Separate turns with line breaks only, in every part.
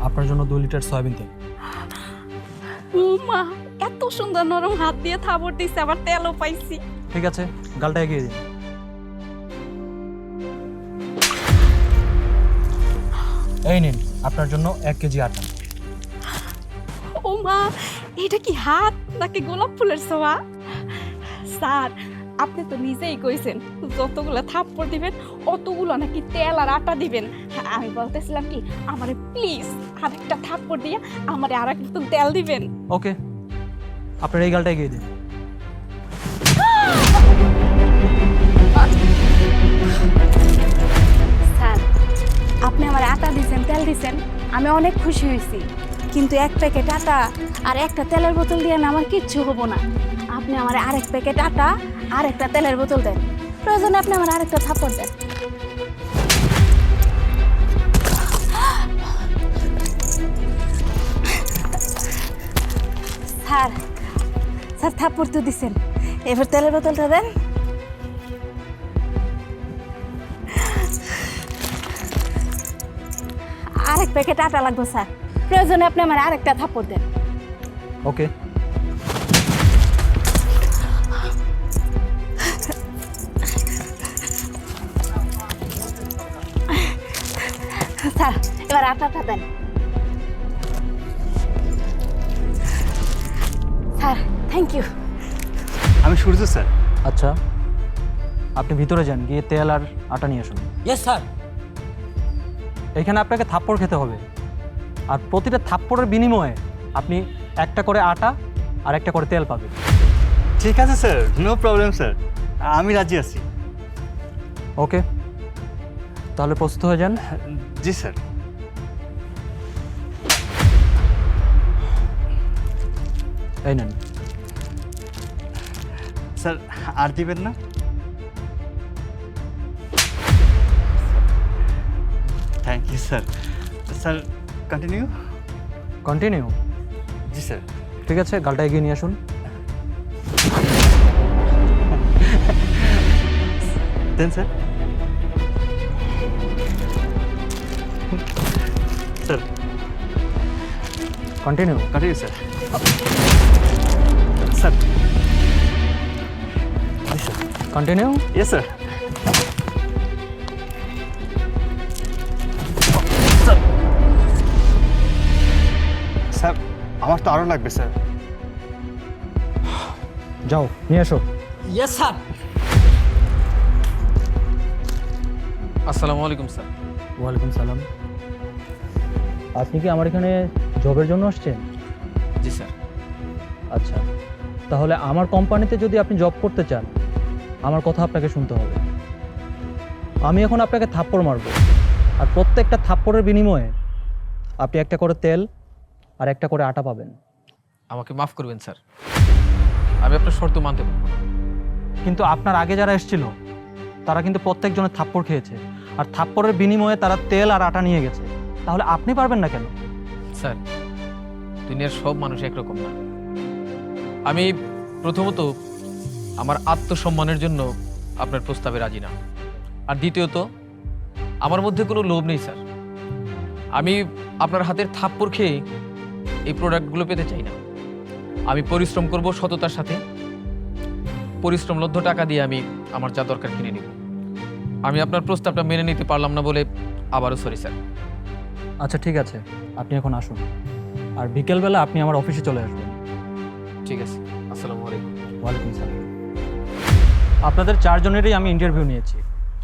আপনার জন্য 2 litre soybean তেল।
ও মা, এত সুন্দর নরম হাত দিয়ে থাবড় দিছে, আবার তেলও পাইছি।
ঠিক আছে, গালটা এগিয়ে দিন। এই নিন আপনার জন্য 1 কেজি আটা।
ও মা, এটা কি হাত নাকি গোলাপ ফুলের ছোঁয়া? স্যার, আপনি তো নিজেই কইছেন যতগুলো থাপ্পড় দিবেন অতগুলো নাকি তেল আর আটা দিবেন। আমি বলতেছিলাম কি, আমারে প্লিজ আরেকটা থাপ্পড় দিয়ে আমারে আর একটু তেল দিবেন।
ওকে, আপনার এই গালটা এগিয়ে দিন।
স্যার, আপনি আমার আটা দিয়েছেন, তেল দিয়েছেন, আমি অনেক খুশি হয়েছি, কিন্তু 1 প্যাকেট আটা আর একটা তেলের বোতল দিয়ে আমি আমার কিচ্ছু হবো না। আপনি আমার আরেক প্যাকেট আটা আর একটা তেলের বোতল দেন, প্রয়োজনে আপনি আমার আরেকটা থাপ্পড় দেন। স্যার, স্যার থাপ্পড় তো দিছেন, এবার তেলের বোতলটা দেন। আরেক প্যাকেট আটা লাগবে স্যার, প্রয়োজনে আপনি আমার আরেকটা থাপ্পড় দেন।
ওকে,
স্যার এবার আটাটা দেন। Sir thank you.
আমি সূর্য স্যার।
আচ্ছা আপনি ভিতরে যান, গিয়ে তেল আর আটা নিয়ে আসুন।
Yes sir.
এখানে আপনাকে থাপ্পড় খেতে হবে, আর প্রতিটা থাপ্পড়ের বিনিময়ে আপনি একটা করে আটা আর একটা করে তেল পাবেন।
ঠিক আছে স্যার, নো প্রবলেম স্যার, আমি রাজি আছি।
ওকে, তাহলে প্রস্তুত হয়ে যান।
জি স্যার।
এই নেন।
স্যার আর দিবেন না? Thank you sir. Sir continue.
Continue.
জি স্যার।
ঠিক আছে, গালটা এগিয়ে নিয়ে আসুন।
দেন sir. Sir
continue.
Continue sir. Sir. জি sir.
Continue.
Yes sir. Sir আমার তো আরও লাগবে স্যার।
যাও নিয়ে এসো।
Yes sir.
আসসালামু আলাইকুম স্যার।
ওয়ালাইকুম সালাম। আপনি কি আমার এখানে জবের জন্য আসছেন?
জি স্যার।
আচ্ছা, তাহলে আমার কোম্পানিতে যদি আপনি জব করতে চান, আমার কথা আপনাকে শুনতে হবে। আমি এখন আপনাকে থাপ্পড় মারব, আর প্রত্যেকটা থাপ্পড়ের বিনিময়ে আপনি একটা করে তেল আর একটা করে আটা পাবেন।
আমাকে মাফ করবেন স্যার, আমি আপনার শর্ত মানতে পারবো না।
কিন্তু আপনার আগে যারা এসেছিল তারা কিন্তু প্রত্যেকজনের থাপ্পড় খেয়েছে, আর থাপ্পড়ের বিনিময়ে তারা তেল আর আটা নিয়ে গেছে। তাহলে আপনি পারবেন না কেন?
স্যার, দুনিয়ার সব মানুষ একরকম না। আমি প্রথমত আমার আত্মসম্মানের জন্য আপনার প্রস্তাবে রাজি না, আর দ্বিতীয়ত আমার মধ্যে কোনো লোভ নেই স্যার। আমি আপনার হাতের থাপ্পড় খেয়ে এই প্রোডাক্টগুলো পেতে চাই না। আমি পরিশ্রম করব সততার সাথে, পরিশ্রমলব্ধ টাকা দিয়ে আমি আমার যা দরকার কিনে নিব। আমি আপনার প্রস্তাবটা মেনে নিতে পারলাম না বলে আবারও সরি স্যার।
আচ্ছা ঠিক আছে, আপনি এখন আসুন, আর বিকেলবেলা আপনি আমার অফিসে চলে আসবেন।
ঠিক আছে, আসসালামু আলাইকুম।
ওয়ালাইকুম সালাম। আপনাদের 4 জনেরই আমি ইন্টারভিউ নিয়েছি,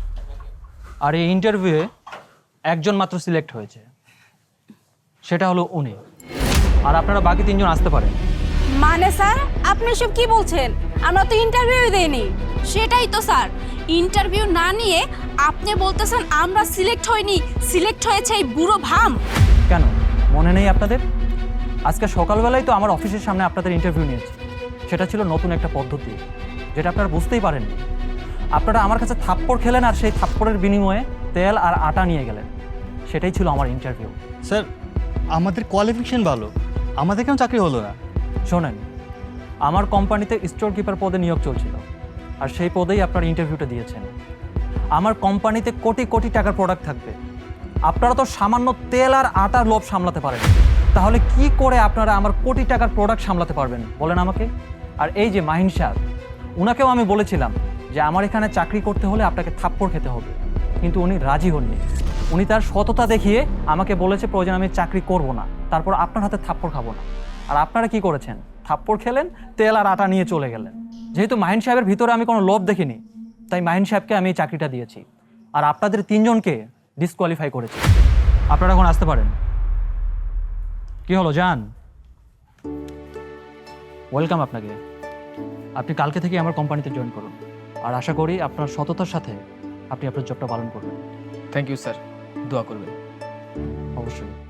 আর এই ইন্টারভিউয়ে একজন মাত্র সিলেক্ট হয়েছে, সেটা হলো উনি। আর আপনারা বাকি 3 জন আসতে পারেন।
মানে স্যার আপনি সব কি বলছেন? আমরা তো ইন্টারভিউ দেইনি।
সেটাই তো স্যার, ইন্টারভিউ না নিয়ে আপনি বলতেছেন আমরা সিলেক্ট হইনি, সিলেক্ট হয়েছে এই বুড়ো ভাম।
কেন মনে নেই আপনাদের? আজকে সকালবেলায় তো আমার অফিসের সামনে আপনাদের ইন্টারভিউ নিয়েছি। সেটা ছিল নতুন একটা পদ্ধতি, যেটা আপনারা বুঝতেই পারেননি। আপনারা আমার কাছে থাপ্পড় খেলেন, আর সেই থাপ্পড়ের বিনিময়ে তেল আর আটা নিয়ে গেলেন। সেটাই ছিল আমার ইন্টারভিউ।
স্যার আমাদের কোয়ালিফিকেশন ভালো, আমাদের কেন চাকরি হলো না?
শোনেন, আমার কোম্পানিতে স্টোর কিপার পদে নিয়োগ চলছিল, আর সেই পদেই আপনার ইন্টারভিউটা দিয়েছেন। আমার কোম্পানিতে কোটি কোটি টাকার প্রোডাক্ট থাকবে, আপনারা তো সামান্য তেল আর আটার লোভ সামলাতে পারেন, তাহলে কি করে আপনারা আমার কোটি টাকার প্রোডাক্ট সামলাতে পারবেন বলেন আমাকে? আর এই যে মাহিন সাহেব, উনাকেও আমি বলেছিলাম যে আমার এখানে চাকরি করতে হলে আপনাকে থাপ্পড় খেতে হবে, কিন্তু উনি রাজি হননি। উনি তার সততা দেখিয়ে আমাকে বলেছে প্রয়োজন আমি চাকরি করব না, তারপর আপনার হাতে থাপ্পড় খাবো না। আর আপনারা কি করেছেন? থাপ্পড় খেলেন, তেল আর আটা নিয়ে চলে গেলেন। যেহেতু মাহিন সাহেবের ভিতরে আমি কোনো লোভ দেখিনি, তাই মাহিন সাহেবকে আমি এই চাকরিটা দিয়েছি, আর আপনাদের 3 জনকে ডিসকোয়ালিফাই করেছি। আপনারা এখন আসতে পারেন। কি হলো জান? ওয়েলকাম আপনাকে। আপনি কালকে থেকে আমার কোম্পানিতে জয়েন করুন, আর আশা করি আপনার সততার সাথে আপনি আপনার জবটা পালন করবেন।
থ্যাংক ইউ স্যার, দোয়া করবেন।
অবশ্যই।